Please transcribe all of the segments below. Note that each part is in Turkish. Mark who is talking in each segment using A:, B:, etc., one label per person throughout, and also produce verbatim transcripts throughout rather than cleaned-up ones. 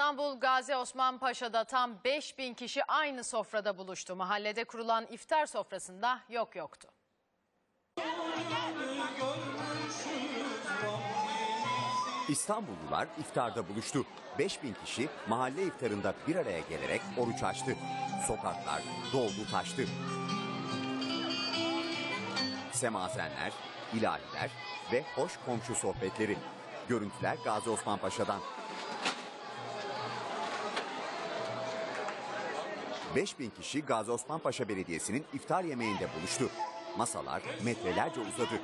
A: İstanbul Gazi Osman Paşa'da tam beş bin kişi aynı sofrada buluştu. Mahallede kurulan iftar sofrasında yok yoktu.
B: İstanbullular iftarda buluştu. beş bin kişi mahalle iftarında bir araya gelerek oruç açtı. Sokaklar doldu taştı. Semazenler, ilahiler ve hoş komşu sohbetleri. Görüntüler Gazi Osman Paşa'dan. beş bin kişi Gazi Osman Paşa Belediyesi'nin iftar yemeğinde buluştu. Masalar metrelerce uzadı.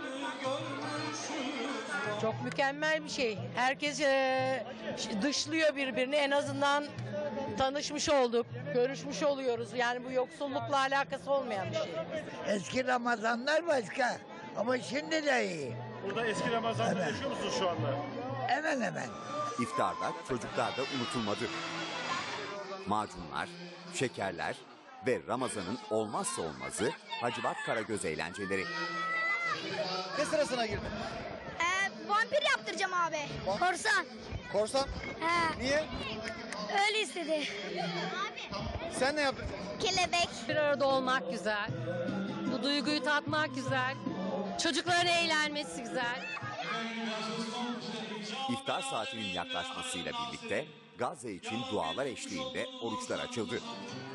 C: Çok mükemmel bir şey. Herkes e, dışlıyor birbirini. En azından tanışmış olduk, görüşmüş oluyoruz. Yani bu yoksullukla alakası olmayan bir şey.
D: Eski Ramazanlar başka ama şimdi de iyi.
E: Burada eski Ramazan'da
D: Evet.
E: yaşıyor musunuz şu anda?
D: Hemen hemen.
B: İftarda çocuklar da unutulmadı. Macunlar, şekerler ve Ramazan'ın olmazsa olmazı Hacivat Karagöz eğlenceleri.
F: Ne sırasına girdin?
G: Ee, vampir yaptıracağım abi. Korsan.
F: Korsan?
G: He,
F: Niye?
G: öyle istedi.
F: Sen ne yaptın?
G: Kelebek.
H: Bir arada olmak güzel. Bu duyguyu tatmak güzel. Çocukların eğlenmesi güzel.
B: İftar saatinin yaklaşmasıyla birlikte Gazze için dualar eşliğinde oruçlar açıldı.